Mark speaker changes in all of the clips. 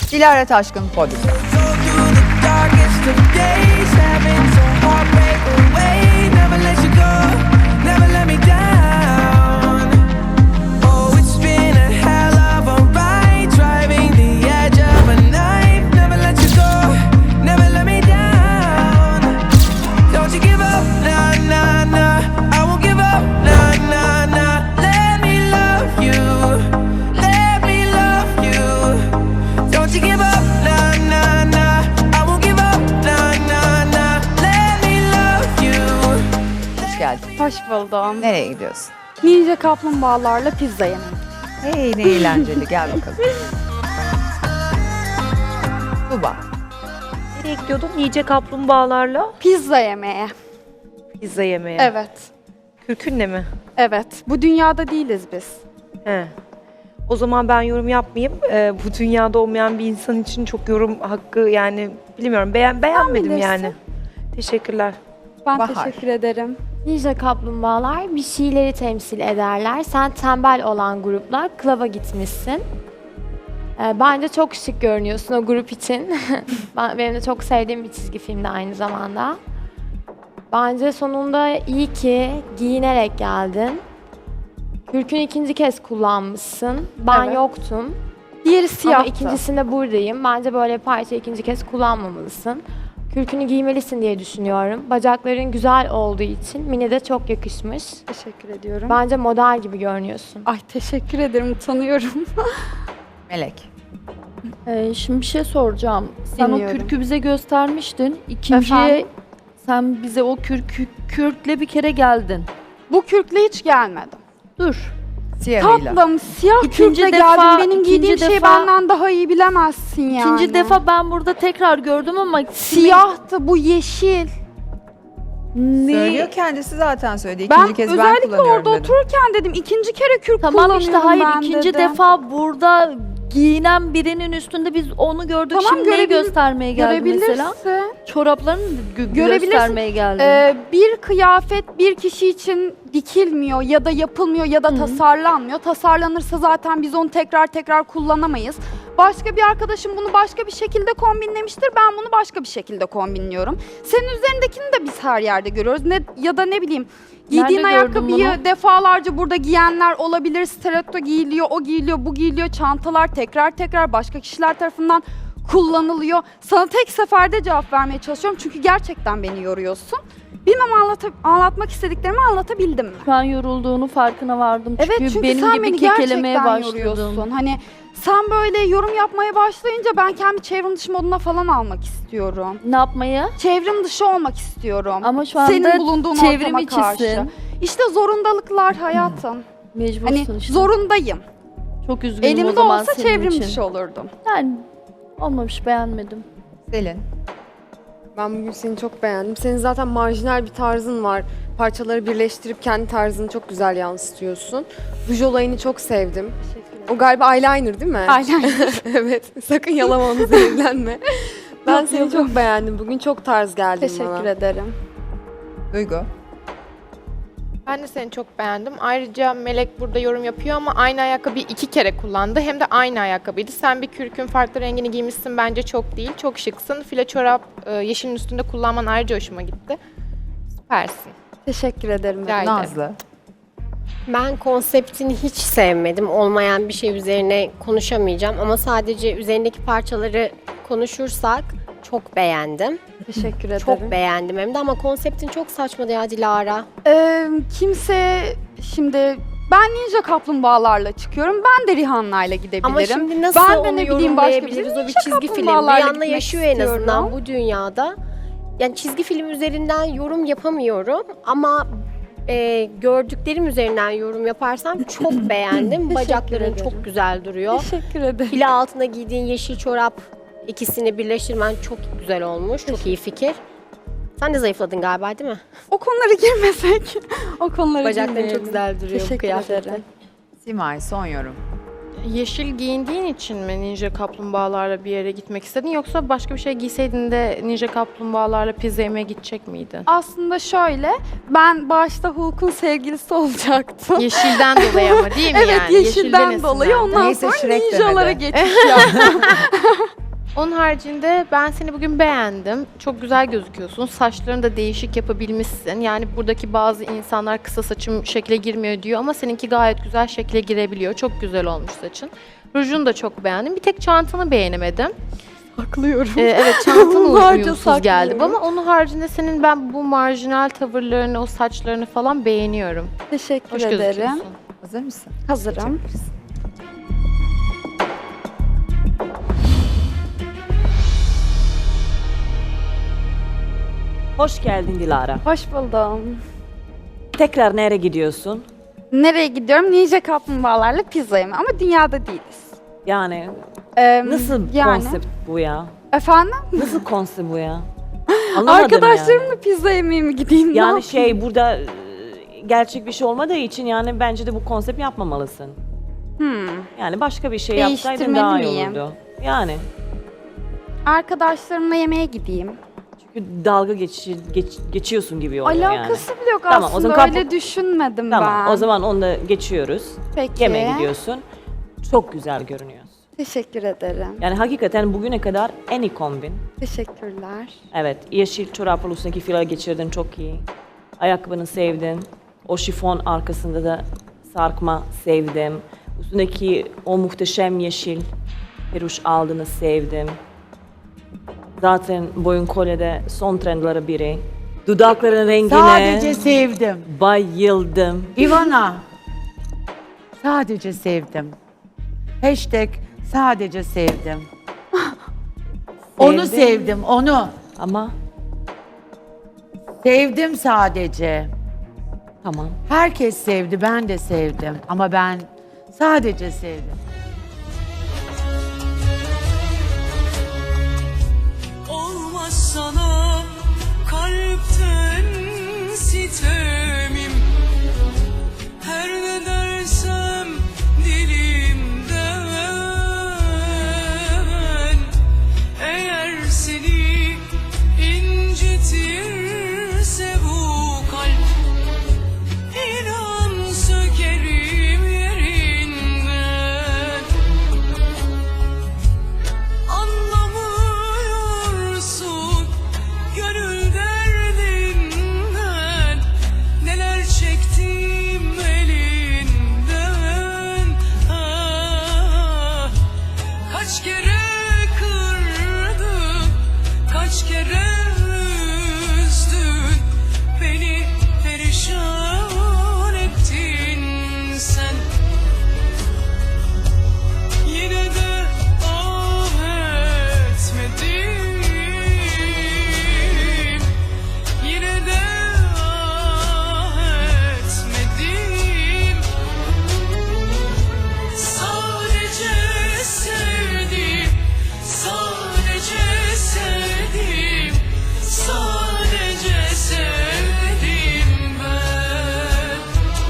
Speaker 1: Dilara Taşkın podyumda.
Speaker 2: Hoş buldum.
Speaker 1: Nereye gidiyorsun?
Speaker 2: Ninja kaplumbağalarla pizza yemeği.
Speaker 1: Hey ne eğlenceli, gel bakalım. Tuba.
Speaker 3: Nereye gidiyordun? Yiyecek kaplumbağalarla
Speaker 2: Pizza yemeğe.
Speaker 3: pizza yemeye.
Speaker 2: Evet.
Speaker 3: Kürkünle mi?
Speaker 2: Evet. Bu dünyada değiliz biz.
Speaker 3: He. O zaman ben yorum yapmayayım. Bu dünyada olmayan bir insan için çok yorum hakkı yani bilmiyorum. Beğenmedim
Speaker 2: bilirsin.
Speaker 3: yani. Teşekkürler.
Speaker 2: Ben
Speaker 1: Bahar.
Speaker 2: teşekkür ederim.
Speaker 4: Ninja kaplumbağalar bir şeyleri temsil ederler. Sen tembel olan gruplar klaba gitmişsin. Bence çok şık görünüyorsun o grup için. Benim de çok sevdiğim bir çizgi filmdi aynı zamanda. Bence sonunda iyi ki giyinerek geldin. Kürkünü ikinci kez kullanmışsın. Ben
Speaker 2: Evet.
Speaker 4: yoktum.
Speaker 2: Diğeri
Speaker 4: Ama
Speaker 2: siyahtı.
Speaker 4: ikincisinde buradayım. Bence böyle parça ikinci kez kullanmamalısın. Kürkünü giymelisin diye düşünüyorum. Bacakların güzel olduğu için mini de çok yakışmış.
Speaker 2: Teşekkür ediyorum.
Speaker 4: Bence model gibi görünüyorsun.
Speaker 2: Ay teşekkür ederim. Utanıyorum.
Speaker 1: Melek.
Speaker 5: Şimdi bir şey soracağım. Sen
Speaker 2: Dinliyorum.
Speaker 5: o kürkü bize göstermiştin. İkinciye
Speaker 2: Efendim?
Speaker 5: sen bize o kürkle bir kere geldin.
Speaker 2: Bu kürkle hiç gelmedim.
Speaker 5: Dur.
Speaker 1: Siyahıyla.
Speaker 2: Tatlım siyah
Speaker 5: İkinci
Speaker 2: kürkle
Speaker 5: defa-
Speaker 2: geldim. Benim
Speaker 5: ikinci
Speaker 2: giydiğim şeyi
Speaker 5: defa-
Speaker 2: benden daha iyi bilemezsin yani.
Speaker 5: İkinci defa ben burada tekrar gördüm ama
Speaker 2: Siyahtı bu yeşil.
Speaker 5: ne?
Speaker 1: Söylüyor kendisi zaten söyledi.
Speaker 2: Ben
Speaker 1: İkinci kez ben
Speaker 2: özellikle
Speaker 1: kullanıyorum
Speaker 2: orada
Speaker 1: dedim.
Speaker 2: otururken dedim ikinci kere kürk
Speaker 5: Tamam
Speaker 2: kullanıyorum
Speaker 5: işte hayır
Speaker 2: ben
Speaker 5: ikinci
Speaker 2: dedim.
Speaker 5: defa burada giyinen birinin üstünde biz onu gördük.
Speaker 2: Tamam,
Speaker 5: Şimdi neyi göstermeye geldi mesela?
Speaker 2: Görebilirsin.
Speaker 5: Çoraplarını
Speaker 2: Görebilirsin.
Speaker 5: göstermeye geldi.
Speaker 2: Bir kıyafet bir kişi için dikilmiyor ya da yapılmıyor ya da tasarlanmıyor. Tasarlanırsa zaten biz onu tekrar tekrar kullanamayız. Başka bir arkadaşım bunu başka bir şekilde kombinlemiştir. Ben bunu başka bir şekilde kombinliyorum. Senin üzerindekini de biz her yerde görüyoruz. Ya da ne bileyim giydiğin
Speaker 5: Nerede gördün
Speaker 2: ayakkabıyı
Speaker 5: bunu?
Speaker 2: defalarca burada giyenler olabilir. Stiletto giyiliyor, o giyiliyor, bu giyiliyor. Çantalar tekrar tekrar başka kişiler tarafından kullanılıyor. Sana tek seferde cevap vermeye çalışıyorum çünkü gerçekten beni yoruyorsun. Bilmem anlatmak istediklerimi anlatabildim mi?
Speaker 5: Şu an yorulduğunu farkına vardım.
Speaker 2: Evet çünkü
Speaker 5: benim
Speaker 2: sen
Speaker 5: gibi
Speaker 2: beni
Speaker 5: kekelemeye
Speaker 2: gerçekten
Speaker 5: başladın.
Speaker 2: yoruyorsun. Hani sen böyle yorum yapmaya başlayınca ben kendi çevrim dışı moduna falan almak istiyorum.
Speaker 5: Ne yapmayı?
Speaker 2: Çevrim dışı olmak istiyorum.
Speaker 5: Ama şu anda
Speaker 2: Senin bulunduğun
Speaker 5: çevrim
Speaker 2: ortama karşı.
Speaker 5: içisin.
Speaker 2: İşte zorundalıklar hayatım.
Speaker 5: Mecbursun
Speaker 2: Hani
Speaker 5: işte.
Speaker 2: zorundayım.
Speaker 5: Çok üzgünüm o
Speaker 2: Elimde
Speaker 5: zaman
Speaker 2: olsa
Speaker 5: senin
Speaker 2: çevrim
Speaker 5: için.
Speaker 2: dışı olurdum.
Speaker 5: Yani olmamış beğenmedim.
Speaker 1: Selin.
Speaker 6: Ben bugün seni çok beğendim. Senin zaten marjinal bir tarzın var. Parçaları birleştirip kendi tarzını çok güzel yansıtıyorsun. Ruj olayını çok sevdim. O galiba eyeliner değil mi?
Speaker 2: Aynen.
Speaker 6: Evet. Sakın yalama onu zehirlenme. Ben seni çok beğendim. Bugün çok tarz geldin bana.
Speaker 2: Teşekkür ederim.
Speaker 1: Duygu.
Speaker 7: Ben de seni çok beğendim. Ayrıca Melek burada yorum yapıyor ama aynı ayakkabıyı 2 kere kullandı. Hem de aynı ayakkabıydı. Sen bir kürkün farklı rengini giymişsin bence çok değil. Çok şıksın. File çorap yeşilin üstünde kullanman ayrıca hoşuma gitti. Süpersin.
Speaker 2: Teşekkür ederim.
Speaker 7: Rica ederim.
Speaker 1: Nazlı.
Speaker 8: Ben konseptini hiç sevmedim. Olmayan bir şey üzerine konuşamayacağım ama sadece üzerindeki parçaları konuşursak çok beğendim.
Speaker 2: Teşekkür ederim.
Speaker 8: Çok beğendim hem de ama konseptin çok saçmadı ya Dilara.
Speaker 2: Kimse şimdi ben ninja kaplumbağalarla çıkıyorum. Ben de Rihanna'yla gidebilirim.
Speaker 8: Ama şimdi nasıl
Speaker 2: Ben de
Speaker 8: onu
Speaker 2: ne bileyim başka
Speaker 8: yorumlayabiliriz? O bir
Speaker 2: ninja
Speaker 8: çizgi film.
Speaker 2: kaplumbağalarla
Speaker 8: Rihanna
Speaker 2: gitmek
Speaker 8: yaşıyor en azından
Speaker 2: istiyorum.
Speaker 8: bu dünyada. Yani çizgi film üzerinden yorum yapamıyorum ama gördüklerim üzerinden yorum yaparsam çok beğendim. Bacakların
Speaker 2: ederim.
Speaker 8: çok güzel duruyor.
Speaker 2: Teşekkür ederim.
Speaker 8: File altına giydiğin yeşil çorap ikisini birleştirmen çok güzel olmuş. Çok iyi fikir. Sen de zayıfladın galiba değil mi?
Speaker 2: O konulara girmesek. O konulara
Speaker 8: Bacakların
Speaker 2: girmeyelim.
Speaker 8: çok güzel duruyor bu
Speaker 2: Teşekkür
Speaker 8: kıyafette.
Speaker 2: ederim.
Speaker 1: Simay son yorum.
Speaker 7: Yeşil giyindiğin için mi ninja kaplumbağalarla bir yere gitmek istedin yoksa başka bir şey giyseydin de ninja kaplumbağalarla pizza yemeye gidecek miydin?
Speaker 2: Aslında şöyle, ben başta Hulk'un sevgilisi olacaktım.
Speaker 7: Yeşilden dolayı ama değil mi
Speaker 2: Evet,
Speaker 7: yani?
Speaker 2: yeşilden dolayı
Speaker 7: esinlendi.
Speaker 2: ondan
Speaker 1: Neyse,
Speaker 2: sonra
Speaker 1: Shrek
Speaker 2: ninjalara
Speaker 1: demedi.
Speaker 2: geçiş yaptım.
Speaker 7: Onun haricinde ben seni bugün beğendim. Çok güzel gözüküyorsun. Saçlarını da değişik yapabilmişsin. Yani buradaki bazı insanlar kısa saçım şekle girmiyor diyor ama seninki gayet güzel şekle girebiliyor. Çok güzel olmuş saçın. Rujunu da çok beğendim. Bir tek çantanı beğenemedim.
Speaker 2: Saklıyorum.
Speaker 7: Evet, çantan
Speaker 2: Onlarca
Speaker 7: uyumsuz geldi
Speaker 2: saklıyorum.
Speaker 7: ama onun haricinde senin ben bu marjinal tavırlarını, o saçlarını falan beğeniyorum.
Speaker 2: Teşekkür
Speaker 7: Hoş
Speaker 2: ederim.
Speaker 7: gözüküyorsun.
Speaker 1: Hazır mısın?
Speaker 2: Hazırım.
Speaker 9: Hoş geldin Dilara.
Speaker 2: Hoş buldum.
Speaker 9: Tekrar nereye gidiyorsun?
Speaker 2: Nereye gidiyorum? Ninja kaplumbağalarla pizza yemeye ama dünyada değiliz.
Speaker 9: Yani nasıl
Speaker 2: yani.
Speaker 9: konsept bu ya?
Speaker 2: Efendim?
Speaker 9: Nasıl konsept bu ya? Anlamadım
Speaker 2: Arkadaşlarımla pizza yemeye mi gideyim? Ne
Speaker 9: Yani
Speaker 2: yapayım?
Speaker 9: şey burada gerçek bir şey olmadığı için yani bence de bu konsept yapmamalısın. Yani başka bir şey yapsaydın
Speaker 2: Değiştirmeli
Speaker 9: daha iyi
Speaker 2: miyim?
Speaker 9: olurdu. Yani
Speaker 2: Arkadaşlarımla yemeğe gideyim.
Speaker 9: çünkü dalga geçiyorsun gibi oluyor yani.
Speaker 2: Alakası bile yok
Speaker 9: Tamam, o
Speaker 2: aslında.
Speaker 9: zaman
Speaker 2: Öyle düşünmedim ben.
Speaker 9: Tamam o zaman onu da geçiyoruz.
Speaker 2: Peki.
Speaker 9: Yemeğe gidiyorsun. Çok güzel görünüyorsun.
Speaker 2: Teşekkür ederim.
Speaker 9: Yani hakikaten bugüne kadar en iyi kombin.
Speaker 2: Teşekkürler.
Speaker 9: Evet, yeşil çoraplı üstündeki filar geçirdin çok iyi. Ayakkabını sevdim. O şifon arkasında da sarkma sevdim. Üstündeki o muhteşem yeşil peruş aldığını sevdim. Zaten boyun kolyede son trendleri biri. Dudakların rengine
Speaker 10: Sadece sevdim.
Speaker 9: bayıldım.
Speaker 10: Ivana. Sadece sevdim. Hashtag sadece sevdim. Onu sevdim, onu.
Speaker 9: Ama
Speaker 10: Sevdim sadece.
Speaker 9: tamam.
Speaker 10: Herkes sevdi, ben de sevdim. Ama ben sadece sevdim.
Speaker 11: Olmaz sana kalpten sitemim. Her ne dersem dilimden, eğer seni incitirse bu kalp, inan sökerim yerinden. Anlamıyorsun gönül derdinden, neler çektim elinden. Ah, kaç kere kırdın, kaç kere üzdün, beni perişan ettin sen. Yine de ah etmedim, yine de ah etmedim. Sadece sevdim, sadece sevdim, sadece sevdim ben.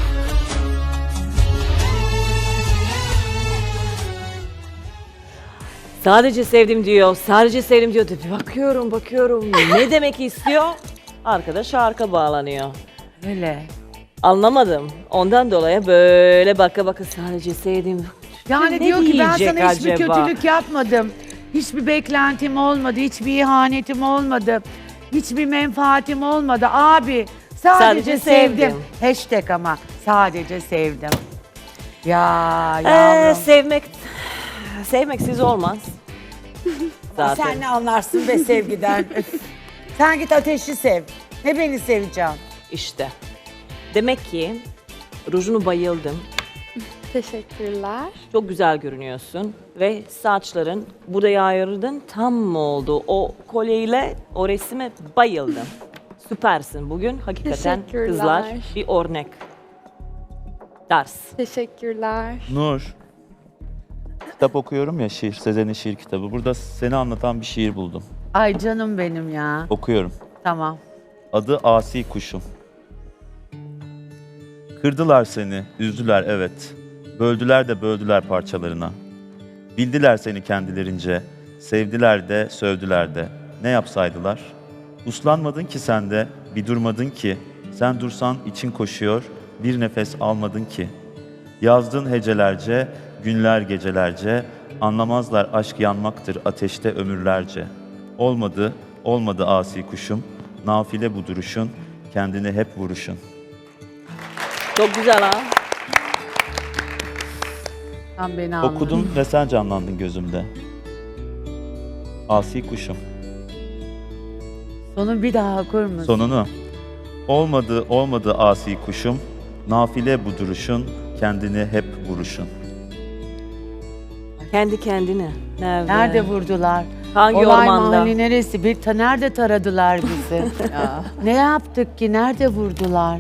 Speaker 9: Sadece sevdim diyor, sadece sevdim diyor. Bakıyorum. Ne demek istiyor? Arkadaş arka bağlanıyor.
Speaker 10: Öyle.
Speaker 9: Anlamadım. Ondan dolayı böyle baka sadece sevdim.
Speaker 10: Yani
Speaker 9: Ne
Speaker 10: diyor ki ben
Speaker 9: diyecek
Speaker 10: sana hiçbir
Speaker 9: acaba?
Speaker 10: kötülük yapmadım. Hiçbir beklentim olmadı, hiçbir ihanetim olmadı. Hiçbir menfaatim olmadı. Abi sadece sevdim.
Speaker 9: sevdim.
Speaker 10: Hashtag ama sadece sevdim. Ya yavrum.
Speaker 9: Sevmeksiz olmaz. Zaten.
Speaker 10: Sen ne anlarsın be sevgiden? Sen git ateşi sev. Ne beni seveceğim?
Speaker 9: İşte. Demek ki rujunu bayıldım.
Speaker 2: Teşekkürler.
Speaker 9: Çok güzel görünüyorsun ve saçların buraya ayırdın tam mı oldu? O kolyeyle o resime bayıldım. Süpersin bugün. Hakikaten
Speaker 2: Teşekkürler.
Speaker 9: kızlar bir örnek. Ders.
Speaker 2: Teşekkürler.
Speaker 12: Nur. Kitap okuyorum ya, Sezen'in şiir kitabı. Burada seni anlatan bir şiir buldum.
Speaker 10: Ay canım benim ya.
Speaker 12: Okuyorum.
Speaker 10: Tamam.
Speaker 12: Adı Asi Kuşum. Kırdılar seni, üzdüler evet. Böldüler de böldüler parçalarına. Bildiler seni kendilerince, sevdiler de sövdüler de. Ne yapsaydılar? Uslanmadın ki sen de, bir durmadın ki. Sen dursan için koşuyor, bir nefes almadın ki. Yazdın hecelerce, günler gecelerce, Anlamazlar aşk yanmaktır ateşte ömürlerce. Olmadı, olmadı asi kuşum. Nafile bu duruşun, kendini hep vuruşun.
Speaker 9: Çok güzel ha.
Speaker 10: Sen beni anladın.
Speaker 12: Okudum ve sen canlandın gözümde. Asi kuşum.
Speaker 10: Sonu bir daha okur musun?
Speaker 12: Sonunu. Olmadı, olmadı asi kuşum. Nafile bu duruşun, kendini hep vuruşun.
Speaker 9: Kendi kendine. Nerede?
Speaker 10: Nerede vurdular?
Speaker 9: Hangi
Speaker 10: Olay
Speaker 9: ormanda?
Speaker 10: mahalli neresi? Nerede taradılar bizi?
Speaker 1: Ya,
Speaker 10: Ne yaptık ki? Nerede vurdular?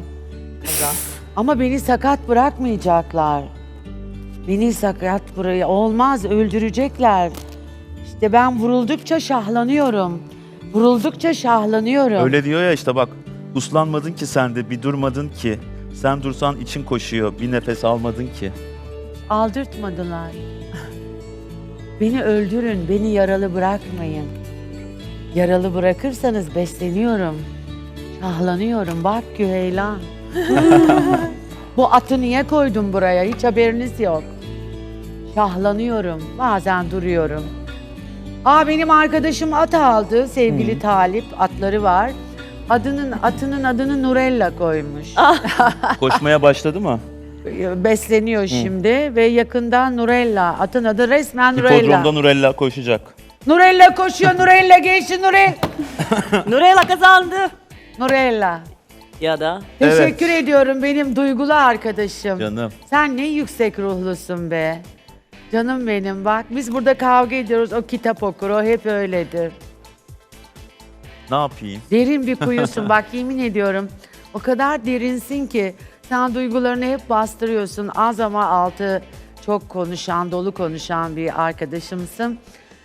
Speaker 10: Ama beni sakat bırakmayacaklar. Beni sakat olmaz, öldürecekler. İşte ben vuruldukça şahlanıyorum. Vuruldukça şahlanıyorum.
Speaker 12: Öyle diyor ya işte bak. Uslanmadın ki sen de, bir durmadın ki. Sen dursan için koşuyor, bir nefes almadın ki.
Speaker 10: Aldırtmadılar. Beni öldürün, beni yaralı bırakmayın. Yaralı bırakırsanız besleniyorum. Şahlanıyorum, bak Güheylan. Bu atı niye koydum buraya? Hiç haberiniz yok. Şahlanıyorum, bazen duruyorum. Benim arkadaşım at aldı, sevgili Talip, atları var. Atının adını Nurella koymuş.
Speaker 12: Koşmaya başladı mı?
Speaker 10: Besleniyor şimdi ve yakında Nurella. Atın adı resmen Nurella.
Speaker 12: Hipodromda Nurella koşacak.
Speaker 10: Nurella koşuyor, Nurella geçti Nurella.
Speaker 9: Nurella kazandı.
Speaker 10: Nurella.
Speaker 9: Ya da
Speaker 10: Teşekkür ediyorum benim duygulu arkadaşım.
Speaker 12: Canım.
Speaker 10: Sen ne yüksek ruhlusun be. Canım benim bak biz burada kavga ediyoruz, o kitap okur, o hep öyledir.
Speaker 12: Ne yapayım?
Speaker 10: Derin bir kuyusun bak yemin ediyorum. O kadar derinsin ki sen duygularını hep bastırıyorsun. Az ama altı çok konuşan, dolu konuşan bir arkadaşımsın.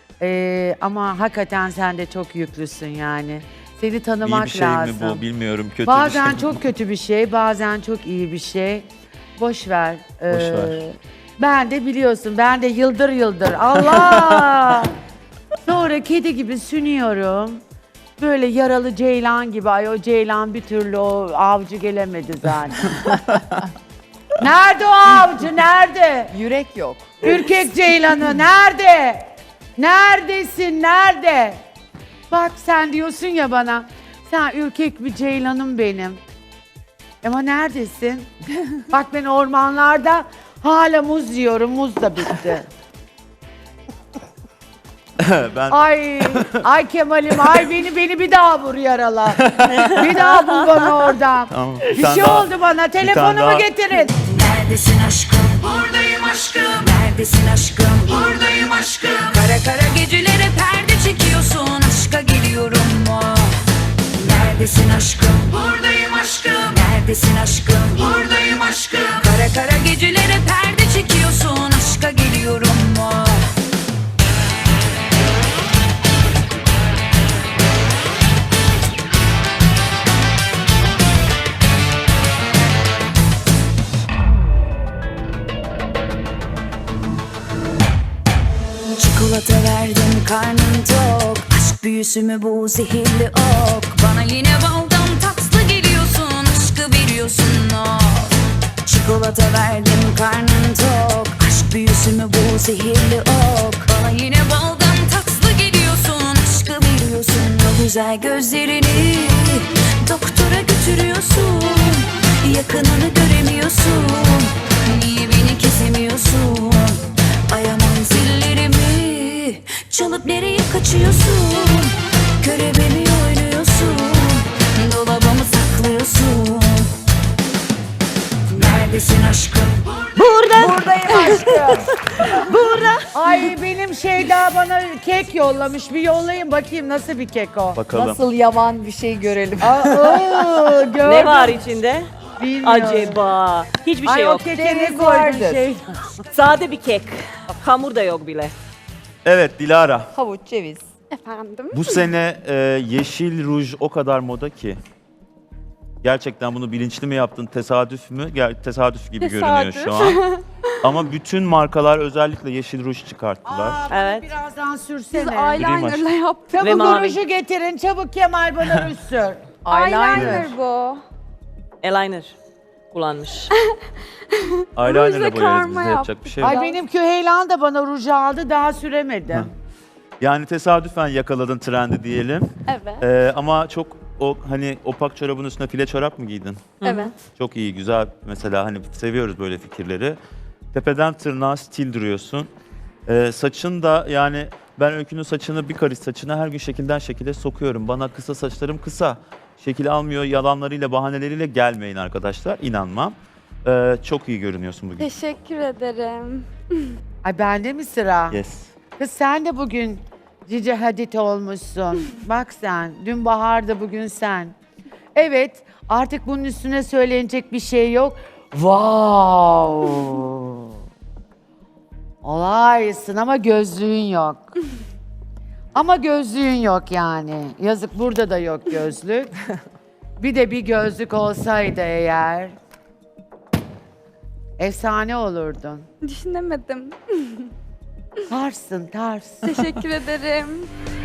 Speaker 10: Ama hakikaten sen de çok yüklüsün yani. Seni tanımak
Speaker 12: İyi bir şey
Speaker 10: lazım.
Speaker 12: mi bu bilmiyorum. Kötü
Speaker 10: Bazen
Speaker 12: bir şey mi?
Speaker 10: çok kötü bir şey, bazen çok iyi bir şey. Boş ver.
Speaker 12: Boş ver.
Speaker 10: Ben de biliyorsun, ben de yıldır yıldır. Allah! Sonra kedi gibi sünüyorum. Böyle yaralı ceylan gibi. Ay o ceylan bir türlü o avcı gelemedi zaten. Nerede o avcı? Nerede?
Speaker 1: yürek yok.
Speaker 10: Ürkek ceylanı nerede? Neredesin? Nerede? Bak sen diyorsun ya bana. Sen ürkek bir ceylanım benim. Ama neredesin? Bak ben ormanlarda hala muz yiyorum. Muz da bitti.
Speaker 12: Ben
Speaker 10: Ay Kemal'im ay beni bir daha vur yarala. Bir daha bul bana oradan.
Speaker 12: Tamam,
Speaker 10: Bir şey oldu bana. Telefonumu
Speaker 12: daha.
Speaker 10: getirin.
Speaker 11: Neredesin aşkım? Buradayım aşkım. Neredesin aşkım? Buradayım aşkım. Kara kara gecelere perde çekiyorsun. Aşka geliyorum mu? Neredesin aşkım? Buradayım aşkım. Neredesin aşkım? Buradayım aşkım. Kara kara gecelere perde çekiyorsun. Aşka geliyorum mu? Çikolata verdim karnım tok. Aşk büyüsü mü bu zehirli ok? Bana yine baldan tatlı geliyorsun. Aşkı veriyorsun o. Çikolata verdim karnım tok. Aşk büyüsü mü bu zehirli ok? Bana yine baldan tatlı geliyorsun. Aşkı veriyorsun o güzel gözlerini. Doktora götürüyorsun. Yakınını göremiyorsun. Niye beni kesemiyorsun? Ay aman zillerimi çalıp nereye kaçıyorsun? Körebe mi oynuyorsun? Dolabımı saklıyorsun. Neredesin aşkım?
Speaker 10: Buradayım aşkım. Burada. Ay benim Şeyda bana kek yollamış. Bir yollayın bakayım nasıl bir kek o.
Speaker 12: bakalım.
Speaker 1: Nasıl yavan bir şey görelim.
Speaker 10: Gördüm.
Speaker 9: ne var içinde?
Speaker 10: Bilmiyorum.
Speaker 9: Acaba. Hiçbir şey
Speaker 10: Ay o
Speaker 9: yok.
Speaker 10: keke ne
Speaker 1: Ceviz
Speaker 10: koydun
Speaker 1: vardır.
Speaker 10: şey?
Speaker 9: Sade bir kek. Hamur da yok bile.
Speaker 12: Evet Dilara.
Speaker 1: Havuç, ceviz.
Speaker 2: Efendim?
Speaker 12: Bu sene yeşil ruj o kadar moda ki. Gerçekten bunu bilinçli mi yaptın, tesadüf mü? Tesadüf gibi görünüyor şu an. Ama bütün markalar özellikle yeşil ruj çıkarttılar.
Speaker 10: Evet.
Speaker 9: Evet.
Speaker 10: Birazdan
Speaker 2: Biz
Speaker 10: sürsene.
Speaker 2: eyelinerla yaptık.
Speaker 9: Ve
Speaker 10: Çabuk
Speaker 9: mavi.
Speaker 10: ruju getirin. Çabuk Kemal bana ruj sür.
Speaker 2: Eyeliner bu.
Speaker 9: Eyeliner. kullanmış.
Speaker 12: Eyeliner'la
Speaker 2: Rujla
Speaker 12: boyarız biz
Speaker 2: karma
Speaker 12: de, yapacak bir şey yok.
Speaker 10: Ay benim Küheylan da bana ruj aldı daha süremedim.
Speaker 12: Yani tesadüfen yakaladın trendi diyelim.
Speaker 2: Evet.
Speaker 12: Ama çok o hani opak çorabın üstüne file çorap mı giydin?
Speaker 2: Evet.
Speaker 12: Çok iyi, güzel. Mesela hani seviyoruz böyle fikirleri. Tepeden tırnağa stil duruyorsun. Saçın da yani ben Öykü'nün saçını, bir karış saçını her gün şekilden şekile sokuyorum. Bana kısa saçlarım kısa. Şekil almıyor, yalanlarıyla, bahaneleriyle gelmeyin arkadaşlar. İnanmam. Çok iyi görünüyorsun bugün.
Speaker 2: Teşekkür ederim.
Speaker 10: Ay bende mi sıra?
Speaker 12: Yes.
Speaker 10: Kız sen de bugün Cici Hadid olmuşsun. Bak sen, dün Bahar'da bugün sen. Evet, artık bunun üstüne söylenecek bir şey yok. Wow! Olaysın ama gözlüğün yok. Ama gözlüğün yok yani. Yazık burada da yok gözlük. Bir de bir gözlük olsaydı eğer efsane olurdun.
Speaker 2: Düşünemedim.
Speaker 10: Tarsın tars.
Speaker 2: Teşekkür ederim.